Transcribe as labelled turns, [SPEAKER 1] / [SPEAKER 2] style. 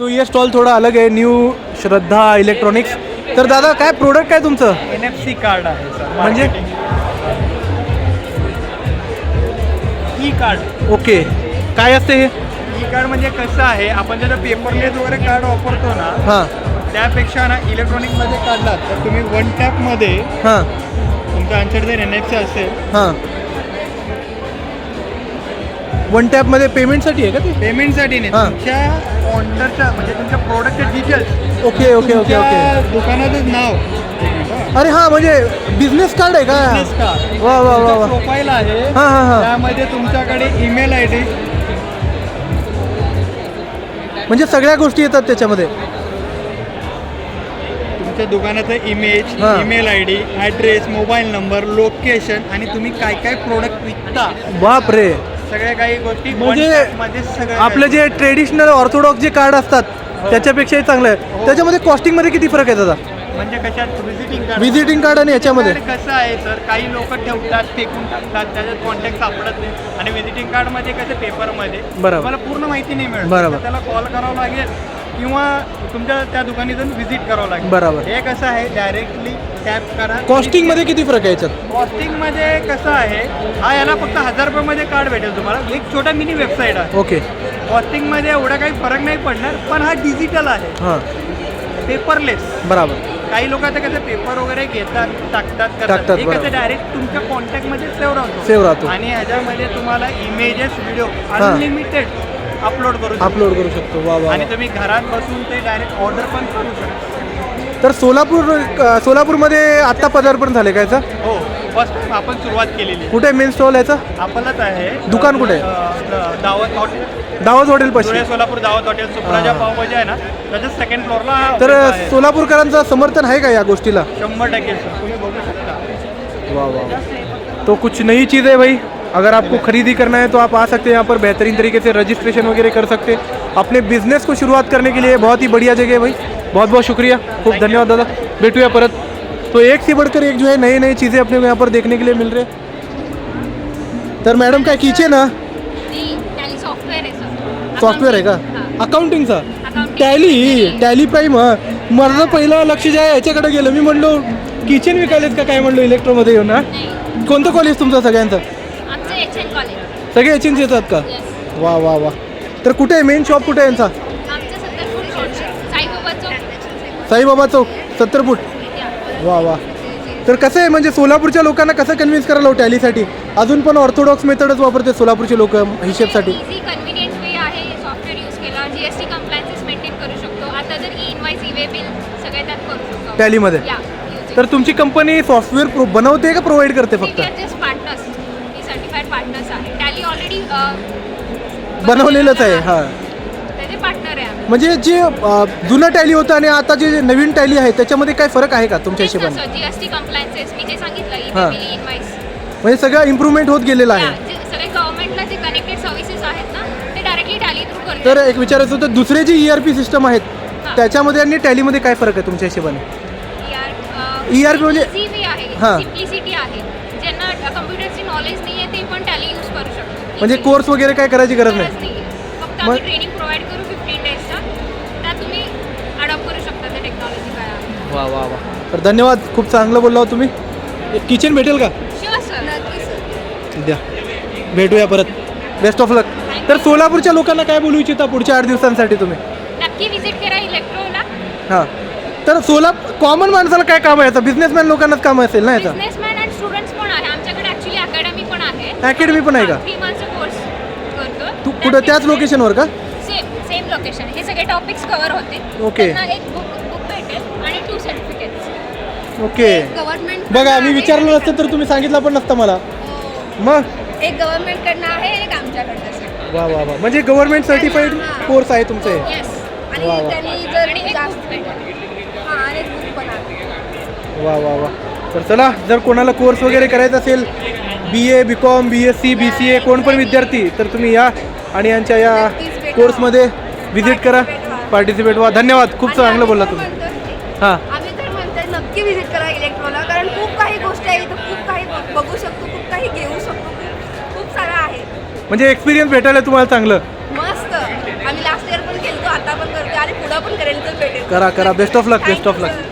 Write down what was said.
[SPEAKER 1] तो ये स्टॉल थोड़ा अलग आहे, न्यू श्रद्धा इलेक्ट्रॉनिक्स. तर दादा काय प्रोडक्ट काय तुमचं?
[SPEAKER 2] NFC कार्ड आहे सर.
[SPEAKER 1] म्हणजे
[SPEAKER 2] ई कार्ड.
[SPEAKER 1] ओके, काय असते हे?
[SPEAKER 2] ई कार्ड म्हणजे कसं आहे, आपण ज्याला पेपरलेस वगैरे कार्ड वापरतो ना,
[SPEAKER 1] हां
[SPEAKER 2] त्यापेक्षा ना इलेक्ट्रॉनिकमध्ये काढलात तर तुम्ही वन टॅपमध्ये
[SPEAKER 1] हां
[SPEAKER 2] तुमचं आन्सर जर NFC असेल,
[SPEAKER 1] हां. वन टॅपमध्ये पेमेंटसाठी आहे का ते?
[SPEAKER 2] पेमेंटसाठी नाही,
[SPEAKER 1] हां.
[SPEAKER 2] तुमच्या ऑर्डरच्या म्हणजे तुमच्या प्रोडक्टचे details,
[SPEAKER 1] okay okay okay okay.
[SPEAKER 2] दुकानाचं नाव,
[SPEAKER 1] अरे हां, म्हणजे बिझनेस कार्ड आहे का?
[SPEAKER 2] बिझनेस कार्ड,
[SPEAKER 1] वा वा वा वा.
[SPEAKER 2] प्रोफाईल आहे,
[SPEAKER 1] हां हां हां.
[SPEAKER 2] त्यामध्ये तुमच्याकडे ईमेल ID,
[SPEAKER 1] म्हणजे सगळ्या गोष्टी येतात त्याच्यामध्ये.
[SPEAKER 2] तुमच्या दुकानाचं इमेज,
[SPEAKER 1] हां.
[SPEAKER 2] Email ID, address, mobile number, location आणि तुम्ही काय काय प्रोडक्ट विकता,
[SPEAKER 1] बाप रे.
[SPEAKER 2] सगळ्या काही गोष्टी
[SPEAKER 1] म्हणजे
[SPEAKER 2] मध्ये सगळं
[SPEAKER 1] आपले जे ट्रेडिशनल ऑर्थोडॉक्स जे कार्ड असतात त्याच्यापेक्षाही चांगलं आहे. त्याच्यामध्ये कॉस्टिंगमध्ये किती फरक आहे दादा?
[SPEAKER 2] म्हणजे कशात व्हिजिटिंग कार्ड,
[SPEAKER 1] व्हिजिटिंग कार्ड आणि याच्यामध्ये
[SPEAKER 2] कसं आहे सर, काही लोक ठेवतात, फेकून टाकतात, त्याच्यात कॉन्टॅक्ट सापडत नाही. आणि व्हिजिटिंग कार्डमध्ये कसं पेपरमध्ये
[SPEAKER 1] बरोबर.
[SPEAKER 2] तुम्हाला पूर्ण माहिती नाही मिळत,
[SPEAKER 1] बरोबर.
[SPEAKER 2] तर त्याला कॉल करावा लागेल किंवा तुमच्या त्या दुकानी जाऊन व्हिजिट करावं लागेल.
[SPEAKER 1] बरोबर.
[SPEAKER 2] हे कसं आहे, डायरेक्टली टॅप करा.
[SPEAKER 1] कॉस्टिंगमध्ये किती फरक आहे याच्यात?
[SPEAKER 2] कॉस्टिंगमध्ये कसं आहे, हा याला फक्त 1000 रुपयामध्ये कार्ड भेटेल तुम्हाला, एक छोटा मिनी वेबसाईट आहे.
[SPEAKER 1] ओके.
[SPEAKER 2] कॉस्टिंगमध्ये एवढा काही फरक नाही पडणार, पण हा डिजिटल आहे,
[SPEAKER 1] हां
[SPEAKER 2] पेपरलेस.
[SPEAKER 1] बराबर.
[SPEAKER 2] काही लोक आता कसं पेपर वगैरे घेतात, टाकतात,
[SPEAKER 1] टाकतात,
[SPEAKER 2] हे
[SPEAKER 1] बरोबर.
[SPEAKER 2] कसं डायरेक्ट तुमच्या कॉन्टॅक्टमध्ये सेव्ह
[SPEAKER 1] सेव्ह राहतो.
[SPEAKER 2] आणि ह्याच्यामध्ये तुम्हाला इमेजेस, व्हिडिओ अनलिमिटेड अपलोड करू शकतो.
[SPEAKER 1] अपलोड करू शकतो. वा वा.
[SPEAKER 2] आणि तुम्ही घरात बसून ते डायरेक्ट ऑर्डर पण करू शकता.
[SPEAKER 1] तर सोलापूरमध्ये आत्ता पदार्पण झाले का याचं?
[SPEAKER 2] हो, फर्स्ट टाइम आपण सुरुवात केलेली आहे.
[SPEAKER 1] कुठे मेन स्टॉल याचा?
[SPEAKER 2] आपलंच आहे.
[SPEAKER 1] दुकान कुठे आहे?
[SPEAKER 2] दावत हॉटेल,
[SPEAKER 1] दावत हॉटेल पाशी.
[SPEAKER 2] धुळे सोलापूर दावत हॉटेल, सुप्राजा पावभाजी आहे ना, त्याच्या सेकंड फ्लोअरला.
[SPEAKER 1] तर सोलापूरकरांचं समर्थन आहे का या गोष्टीला?
[SPEAKER 2] 100% सर, तुम्ही बघू शकता.
[SPEAKER 1] वाह वाह. तो कुछ नई चीज़ है भाई. अगर आपको खरीदी करना है तो आप आ सकते हैं यहाँ पर, बेहतरीन तरीके से रजिस्ट्रेशन वगैरह कर सकते हैं. अपने बिजनेस को शुरुआत करने के लिए बहुत ही बढ़िया जगह है भाई. बहुत बहुत शुक्रिया, खूब धन्यवाद दादा. भेटूया परत. तो एक से बढ़कर एक जो है नई नई चीज़ें अपने को यहाँ पर देखने के लिए मिल रहे हैं. तर मॅडम काय किचन ना
[SPEAKER 3] सॉफ्टवेअर आहे सर.
[SPEAKER 1] सॉफ्टवेअर आहे का? अकाउंटिंगचा टॅली प्राईम. हां, माझं पहिलं लक्ष जे आहे याच्याकडे गेलं. मी म्हणलो किचन विकायलेत का काय म्हणलो इलेक्ट्रोमध्ये येऊन. ना कोणतं कॉलेज तुमचं सगळ्यांचं?
[SPEAKER 3] आमचं HN कॉलेज.
[SPEAKER 1] सगळे एचएनच येतात का?
[SPEAKER 3] येस.
[SPEAKER 1] वा वा वा. तर कुठे आहे मेन शॉप, कुठे आहे यांचा?
[SPEAKER 3] आमचं 70 foot road, Saibaba Chowk.
[SPEAKER 1] Saibaba Chowk 70 foot. वा वा. तर कसं आहे म्हणजे सोलापूरच्या लोकांना कसं कन्व्हिन्स करायला हो टॅलीसाठी? अजून पण ऑर्थोडॉक्स मेथडच वापरते सोलापूरचे लोक हिशेबसाठी.
[SPEAKER 3] इझी कन्व्हिनियंट वे आहे. सॉफ्टवेअर यूज केला, GST कम्प्लायन्सेस मेंटेन करू शकतो. आता जर इनवाईस, ई-वे बिल सगळे त्यात करू शकतो
[SPEAKER 1] टॅलीमध्ये.
[SPEAKER 3] या.
[SPEAKER 1] तर तुमची कंपनी सॉफ्टवेअर बनवते का प्रोव्हाइड करते फक्त?
[SPEAKER 3] जस्ट पार्टनर्स, ही सर्टिफाईड पार्टनर्स आहे. टॅली ऑलरेडी
[SPEAKER 1] बनवलेलंच आहे. हां,
[SPEAKER 3] त्याचे पार्टनर आहे आम्ही.
[SPEAKER 1] म्हणजे जे जुनं टॅली होतं आणि आता जे नवीन टॅली आहे त्याच्यामध्ये काय फरक आहे का तुमच्या हिशोबाने?
[SPEAKER 3] GST कम्प्लायन्सेस मी जे सांगितलं,
[SPEAKER 1] हां.
[SPEAKER 3] ई-वे बिल, इनवाईस,
[SPEAKER 1] म्हणजे सगळं इम्प्रूव्हमेंट होत गेलेलं आहे.
[SPEAKER 3] जे सगळे गव्हर्नमेंटला जे कनेक्टेड सर्व्हिसेस आहेत ना, ते डायरेक्टली टॅली थ्रू करतात.
[SPEAKER 1] तर एक विचारायचं होतं, दुसरे जे ERP सिस्टम आहेत
[SPEAKER 3] हां.
[SPEAKER 1] त्याच्यामध्ये आणि टॅलीमध्ये काय फरक आहे तुमच्या हिशोबाने? ERP म्हणजे
[SPEAKER 3] इझी वे आहे,
[SPEAKER 1] हां.
[SPEAKER 3] सिम्प्लिसिटी आहे. ज्यांना कम्प्युटरची नॉलेज नाही आहे ते पण टॅली यूज करू शकतो.
[SPEAKER 1] म्हणजे कोर्स वगैरे काय करायची गरज नाही?
[SPEAKER 3] नाहीये. फक्त
[SPEAKER 1] मग-
[SPEAKER 3] आम्ही ट्रेनिंग प्रोव्हाइड करू 15 डेजचा, त्यात तुम्ही अडॉप्ट करू शकता ते टेक्नॉलॉजी काय आहे.
[SPEAKER 1] वा वा वा. तर धन्यवाद, खूप चांगलं बोलला हो तुम्ही. एक किचन भेटेल का?
[SPEAKER 3] शुअर सर, नक्की सर.
[SPEAKER 1] द्या, भेटूया परत. Best of luck. तर सोलापूरच्या लोकांना काय बोलू इच्छिता पुढच्या 8 दिवसांसाठी तुम्ही?
[SPEAKER 3] नक्की व्हिजिट करा इलेक्ट्रोला.
[SPEAKER 1] हां, तर कॉमन माणसाला काय काम आहे याचं? बिझनेसमॅन लोकांनाच काम असेल ना याचं?
[SPEAKER 3] बिझनेसमॅन अँड स्टुडंट्स पण आहे आमच्याकडे. ॲक्च्युली अकॅडमी पण आहे.
[SPEAKER 1] अकॅडमी पण आहे का?
[SPEAKER 3] 3 मंथचा कोर्स करतो.
[SPEAKER 1] तू कुठं त्याच लोकेशनवर का?
[SPEAKER 3] Same location. हे सगळे टॉपिक्स कव्हर होतील.
[SPEAKER 1] ओके.
[SPEAKER 3] त्यांना एक बुक भेटेल आणि 2 सर्टिफिकेट्स.
[SPEAKER 1] ओके.
[SPEAKER 3] गव्हर्नमेंट
[SPEAKER 1] बघा, मी विचारलं नसतं तर तुम्ही सांगितलं पण नसतं मला. मग
[SPEAKER 3] एक गव्हर्नमेंटकडनं आहे, एक आमच्याकडनं.
[SPEAKER 1] वा वा वा. म्हणजे गव्हर्नमेंट सर्टिफाईड कोर्स आहे तुमचे?
[SPEAKER 3] येस.
[SPEAKER 1] वा वा.
[SPEAKER 3] त्यांनी जर जास्त हां, आणि एक बुक पण आहे.
[SPEAKER 1] वा वा वा. तर चला, जर कोणाला कोर्स वगैरे करायचा असेल, BA, BCom, BSc, BCA, कोण पण विद्यार्थी, तर तुम्ही या आणि यांच्या या कोर्समध्ये व्हिजिट करा, पार्टिसिपेट व्हा. धन्यवाद, खूप चांगलं बोलला तुम्ही. हां,
[SPEAKER 4] आम्ही तर म्हणतोय नक्की व्हिजिट करा इलेक्ट्रोला, कारण खूप काही गोष्टी आहेत, खूप काही बघू शकतो, खूप काही घेऊ शकतो, खूप सारं आहे.
[SPEAKER 1] म्हणजे एक्सपिरियन्स भेटायला तुम्हाला चांगलं.
[SPEAKER 4] मस्त. आम्ही लास्ट इयर पण केलतो, आता पण करतो आणि करेल तर भेटेल.
[SPEAKER 1] करा करा best of luck best of
[SPEAKER 4] Thank you,
[SPEAKER 1] luck
[SPEAKER 4] sir.